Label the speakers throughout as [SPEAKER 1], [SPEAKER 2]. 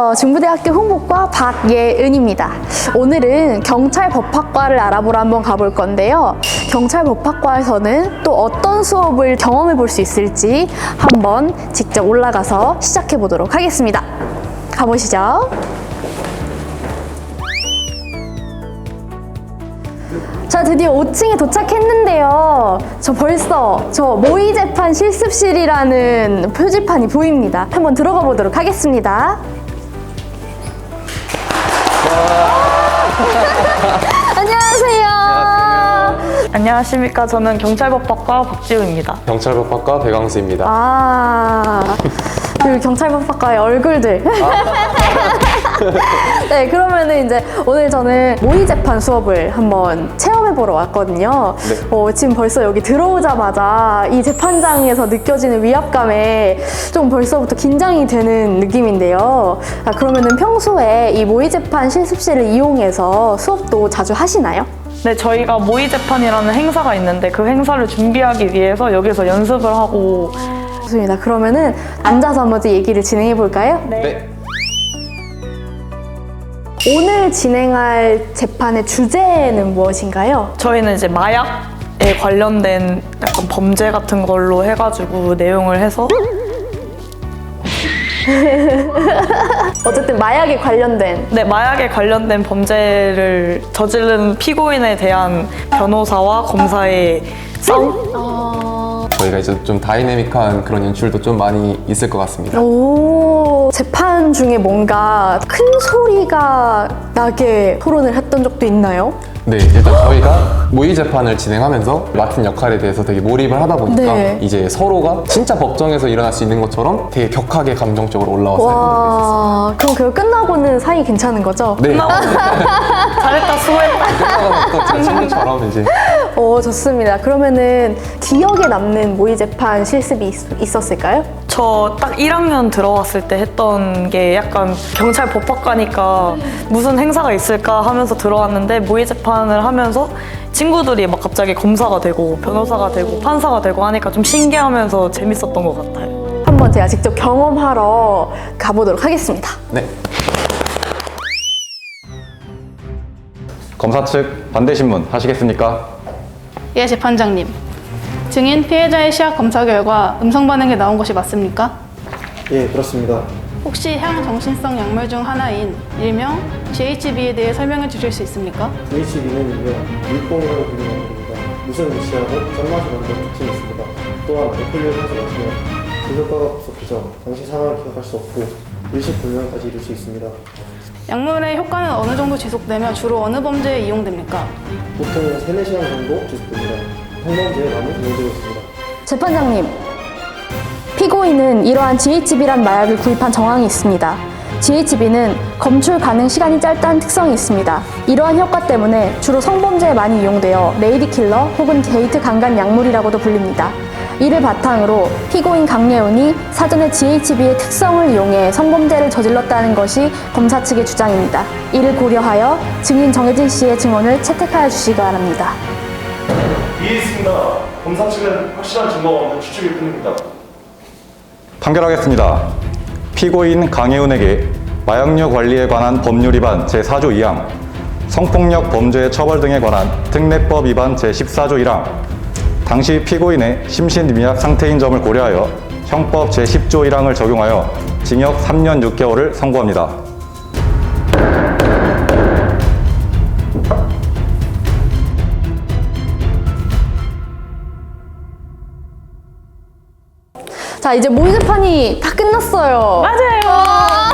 [SPEAKER 1] 안녕하세요. 중부대학교 홍보과 박예은입니다. 오늘은 경찰법학과를 알아보러 한번 가볼 건데요. 경찰법학과에서는 또 어떤 수업을 경험해 볼 수 있을지 한번 직접 올라가서 시작해 보도록 하겠습니다. 가보시죠. 자, 드디어 5층에 도착했는데요. 벌써 모의재판 실습실이라는 표지판이 보입니다. 한번 들어가 보도록 하겠습니다. 안녕하세요.
[SPEAKER 2] 안녕하십니까. 저는 경찰법학과 박지우입니다.
[SPEAKER 3] 경찰법학과 배광수입니다.
[SPEAKER 1] 그 경찰법학과의 얼굴들. 네, 그러면은 이제 오늘 저는 모의재판 수업을 한번 체험해보러 왔거든요.
[SPEAKER 3] 네.
[SPEAKER 1] 지금 벌써 여기 들어오자마자 이 재판장에서 느껴지는 위압감에 좀 벌써부터 긴장이 되는 느낌인데요. 그러면은 평소에 이 모의재판 실습실을 이용해서 수업도 자주 하시나요?
[SPEAKER 2] 네, 저희가 모의재판이라는 행사가 있는데 그 행사를 준비하기 위해서 여기서 연습을 하고.
[SPEAKER 1] 좋습니다. 그러면은 앉아서 한번 얘기를 진행해 볼까요?
[SPEAKER 3] 네.
[SPEAKER 1] 오늘 진행할 재판의 주제는 무엇인가요?
[SPEAKER 2] 저희는 이제 마약에 관련된 약간 범죄 같은 걸로 해가지고 내용을 해서
[SPEAKER 1] 어쨌든 마약에 관련된.
[SPEAKER 2] 네, 마약에 관련된 범죄를 저지른 피고인에 대한 변호사와 검사의 싸움?
[SPEAKER 3] 저희가 이제 좀 다이내믹한 그런 연출도 좀 많이 있을 것 같습니다.
[SPEAKER 1] 오, 재판 중에 뭔가 큰 소리가 나게 토론을 했던 적도 있나요?
[SPEAKER 3] 네, 일단 저희가 모의 재판을 진행하면서 맡은 역할에 대해서 되게 몰입을 하다 보니까
[SPEAKER 1] 네.
[SPEAKER 3] 이제 서로가 진짜 법정에서 일어날 수 있는 것처럼 되게 격하게 감정적으로 올라와서
[SPEAKER 1] 와, 그럼 그거 끝나고는 사이 괜찮은 거죠?
[SPEAKER 3] 네.
[SPEAKER 2] 잘했다, 수고했다.
[SPEAKER 3] 끝나가서 또 진짜 친구처럼 이제
[SPEAKER 1] 오, 좋습니다. 그러면은 기억에 남는 모의 재판 실습이 있었을까요?
[SPEAKER 2] 저 딱 1학년 들어왔을 때 했던 게 약간 경찰 법학과니까 무슨 행사가 있을까 하면서 들어왔는데 모의재판을 하면서 친구들이 막 갑자기 검사가 되고 변호사가 되고 판사가 되고 하니까 좀 신기하면서 재밌었던 것 같아요.
[SPEAKER 1] 한번 제가 직접 경험하러 가보도록 하겠습니다.
[SPEAKER 3] 네.
[SPEAKER 4] 검사 측 반대 신문 하시겠습니까?
[SPEAKER 5] 예, 재판장님. 증인 피해자의 시약 검사 결과 음성 반응이 나온 것이 맞습니까?
[SPEAKER 6] 예, 그렇습니다.
[SPEAKER 5] 혹시 향정신성 약물 중 하나인 일명 GHB에 대해 설명해 주실 수 있습니까?
[SPEAKER 6] GHB는 일명 물뽕이라고 불리는 약물입니다. 무슨 무시하고 짠맛이 나는 특징이 있습니다. 또한 알코올을 하지 마시면 그 효과가 급속해져 당시 상황을 기억할 수 없고 일시불명까지 이룰 수 있습니다.
[SPEAKER 5] 약물의 효과는 어느 정도 지속되며 주로 어느 범죄에 이용됩니까?
[SPEAKER 6] 보통 3, 4시간 정도 지속됩니다. 성범죄에 많이 이용되고 있습니다.
[SPEAKER 1] 재판장님, 피고인은 이러한 GHB란 마약을 구입한 정황이 있습니다. GHB는 검출 가능 시간이 짧다는 특성이 있습니다. 이러한 효과 때문에 주로 성범죄에 많이 이용되어 레이디킬러 혹은 게이트 강간 약물이라고도 불립니다. 이를 바탕으로 피고인 강예훈이 사전에 GHB의 특성을 이용해 성범죄를 저질렀다는 것이 검사 측의 주장입니다. 이를 고려하여 증인 정혜진 씨의 증언을 채택하여 주시기 바랍니다.
[SPEAKER 7] 이해했습니다. 검사 측은 확실한 증거가 없는 추측일 뿐입니다.
[SPEAKER 4] 판결하겠습니다. 피고인 강혜훈에게 마약류 관리에 관한 법률 위반 제4조 2항, 성폭력 범죄의 처벌 등에 관한 특례법 위반 제14조 1항, 당시 피고인의 심신미약 상태인 점을 고려하여 형법 제10조 1항을 적용하여 징역 3년 6개월을 선고합니다.
[SPEAKER 1] 자, 이제 모의재판이 다 끝났어요.
[SPEAKER 2] 맞아요.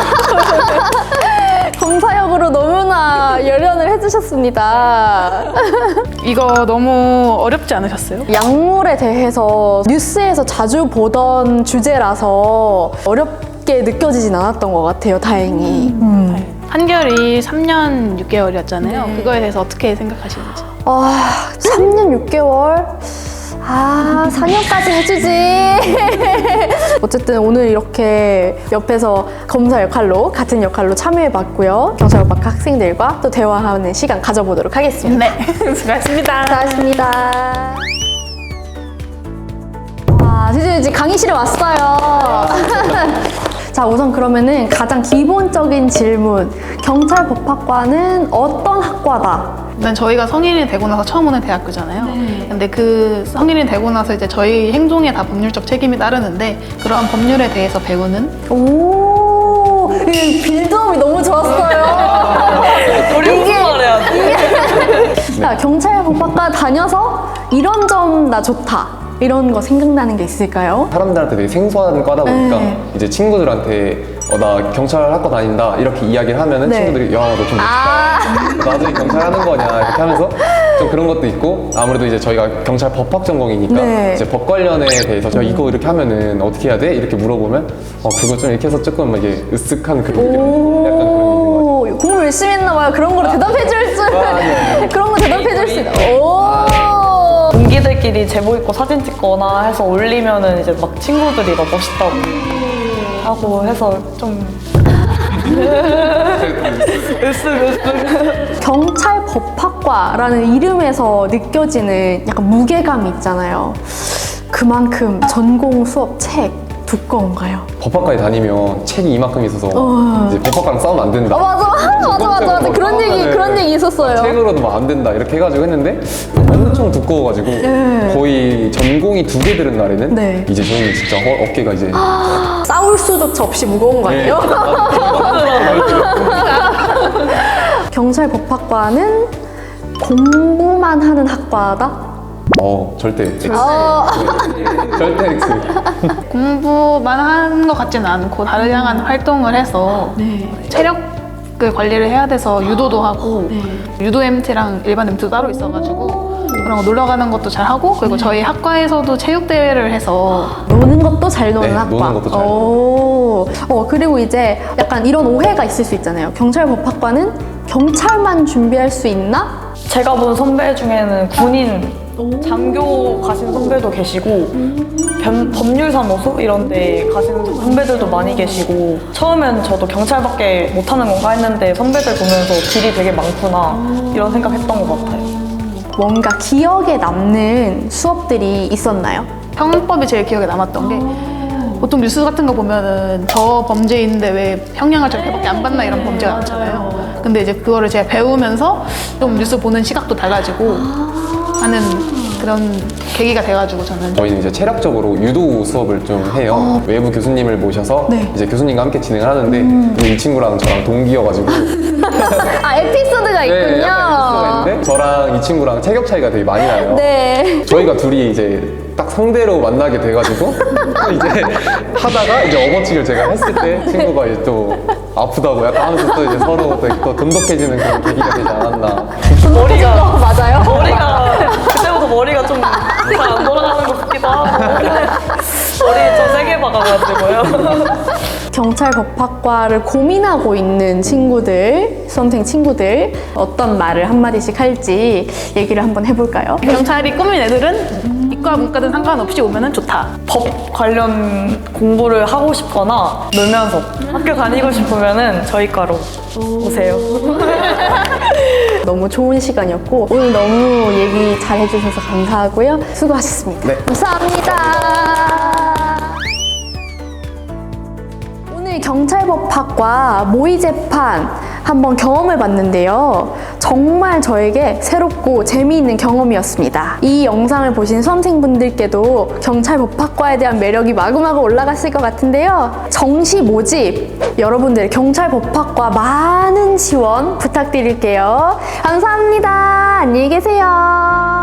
[SPEAKER 1] 검사역으로 너무나 열연을 해주셨습니다.
[SPEAKER 5] 이거 너무 어렵지 않으셨어요?
[SPEAKER 1] 약물에 대해서 뉴스에서 자주 보던 주제라서 어렵게 느껴지진 않았던 것 같아요, 다행히.
[SPEAKER 5] 판결이 3년 6개월이었잖아요. 그거에 대해서 어떻게 생각하시는지.
[SPEAKER 1] 3년 6개월? 4년까지 해주지. 어쨌든 오늘 이렇게 옆에서 검사 역할로, 같은 역할로 참여해봤고요. 경찰법학과 학생들과 또 대화하는 시간 가져보도록 하겠습니다.
[SPEAKER 5] 네, 수고하셨습니다.
[SPEAKER 1] 수고하셨습니다. 드디어 이제 강의실에 왔어요. 자, 우선 그러면은 가장 기본적인 질문. 경찰 법학과는 어떤 학과다?
[SPEAKER 5] 일단 저희가 성인이 되고 나서 처음 오는 대학교잖아요. 근데 그 성인이 되고 나서 이제 저희 행동에 다 법률적 책임이 따르는데 그러한 법률에 대해서 배우는
[SPEAKER 1] 오, 이 빌드업이 너무 좋았어요.
[SPEAKER 2] 우리 무슨 말 해야 돼?
[SPEAKER 1] 자, 경찰 법학과 다녀서 이런 점 나 좋다. 이런 거 생각나는 게 있을까요?
[SPEAKER 3] 사람들한테 되게 생소한 과다 보니까
[SPEAKER 1] 네.
[SPEAKER 3] 이제 친구들한테 나 경찰 학과 다닌다 이렇게 이야기를 하면은
[SPEAKER 1] 네.
[SPEAKER 3] 친구들이 야 너 좀 멋있다. 나도 경찰 하는 거냐 이렇게 하면서 좀 그런 것도 있고 아무래도 이제 저희가 경찰 법학 전공이니까
[SPEAKER 1] 네.
[SPEAKER 3] 이제 법 관련에 대해서 야 이거 이렇게 하면은 어떻게 해야 돼? 이렇게 물어보면 그거 좀 이렇게 해서 조금 이게 으쓱한 그런 게 약간 그런 게 있는 것 같아요.
[SPEAKER 1] 오, 공부 열심히 했나 봐요. 그런 거를 대답해 줄 수.
[SPEAKER 3] 네.
[SPEAKER 1] 그런 거 대답해 줄 수 있다. 오.
[SPEAKER 2] 동기들끼리 제복 입고 사진 찍거나 해서 올리면은 이제 막 친구들이 막 멋있다고 하고 해서 좀 으쓱으쓱.
[SPEAKER 1] 경찰 법학과라는 이름에서 느껴지는 약간 무게감이 있잖아요. 그만큼 전공 수업 책 두꺼운가요?
[SPEAKER 3] 법학과에 다니면 책이 이만큼 있어서 이제 법학과랑 싸우면 안 된다.
[SPEAKER 1] 맞아. 그런 얘기 있었어요.
[SPEAKER 3] 책으로도 막 안 된다 이렇게 해가지고 했는데 엄청 두꺼워가지고 거의 전공이 2개 들은 날에는
[SPEAKER 1] 네.
[SPEAKER 3] 이제 저희는 진짜 어깨가 이제
[SPEAKER 1] 싸울 수조차 없이 무거운 거 아니에요? 경찰 법학과는 공부만 하는 학과다?
[SPEAKER 3] 절대 X.
[SPEAKER 1] 어.
[SPEAKER 3] 절대 X.
[SPEAKER 5] 공부만 하는 것 같지는 않고 다양한 활동을 해서 체력을 관리를 해야 돼서 유도도 하고 유도 MT랑 일반 MT도 따로 있어가지고 그런 거 놀러 가는 것도 잘 하고 그리고 저희 학과에서도 체육대회를 해서
[SPEAKER 1] 노는 것도 잘 노는
[SPEAKER 3] 네,
[SPEAKER 1] 학과.
[SPEAKER 3] 노는 것도 잘
[SPEAKER 1] 오. 그리고 이제 약간 이런 오해가 있을 수 있잖아요. 경찰 법학과는 경찰만 준비할 수 있나?
[SPEAKER 2] 제가 본 선배 중에는 군인 장교 가신 선배도 계시고 법률사무소 이런 데 가시는 선배들도 많이 계시고 처음엔 저도 경찰밖에 못하는 건가 했는데 선배들 보면서 길이 되게 많구나 이런 생각했던 것 같아요.
[SPEAKER 1] 뭔가 기억에 남는 수업들이 있었나요?
[SPEAKER 5] 형법이 제일 기억에 남았던 게 보통 뉴스 같은 거 보면은 저 범죄인데 왜 형량을 저렇게밖에 안 받나 이런 범죄가 많잖아요. 근데 이제 그거를 제가 배우면서 좀 뉴스 보는 시각도 달라지고 하는 그런 계기가 돼가지고
[SPEAKER 3] 저희는 이제 체력적으로 유도 수업을 좀 해요. 외부 교수님을 모셔서
[SPEAKER 1] 네.
[SPEAKER 3] 이제 교수님과 함께 진행을 하는데 이 친구랑 저랑 동기여가지고
[SPEAKER 1] 에피소드가 있군요.
[SPEAKER 3] 약간 에피소드가 있는데 저랑 이 친구랑 체격 차이가 되게 많이 나요.
[SPEAKER 1] 네.
[SPEAKER 3] 저희가 둘이 이제 딱 상대로 만나게 돼가지고 이제 하다가 이제 업어치기를 제가 했을 때 친구가 이제 또 아프다고 약간 하면서 또 이제 서로 또 돈독해지는 그런 계기가 되지 않았나.
[SPEAKER 2] 머리가
[SPEAKER 1] 맞아요?
[SPEAKER 2] 그때부터 머리가 좀 잘 안 돌아가는 것 같기도 하고 머리 좀 세게 박아가지고요.
[SPEAKER 1] 경찰 법학과를 고민하고 있는 친구들, 수험생 친구들 어떤 말을 한마디씩 할지 얘기를 한번 해볼까요?
[SPEAKER 5] 경찰이 꾸민 애들은 이과 문과든 상관없이 오면은 좋다.
[SPEAKER 2] 법 관련 공부를 하고 싶거나 놀면서 학교 다니고 싶으면은 저희 과로 오세요.
[SPEAKER 1] 너무 좋은 시간이었고 오늘 너무 얘기 잘 해주셔서 감사하고요. 수고하셨습니다.
[SPEAKER 3] 네.
[SPEAKER 1] 감사합니다. 오늘 경찰법학과 모의재판 한번 경험을 봤는데요. 정말 저에게 새롭고 재미있는 경험이었습니다. 이 영상을 보신 수험생분들께도 경찰법학과에 대한 매력이 마구마구 올라갔을 것 같은데요. 정시 모집 여러분들 경찰법학과 많은 지원 부탁드릴게요. 감사합니다. 안녕히 계세요.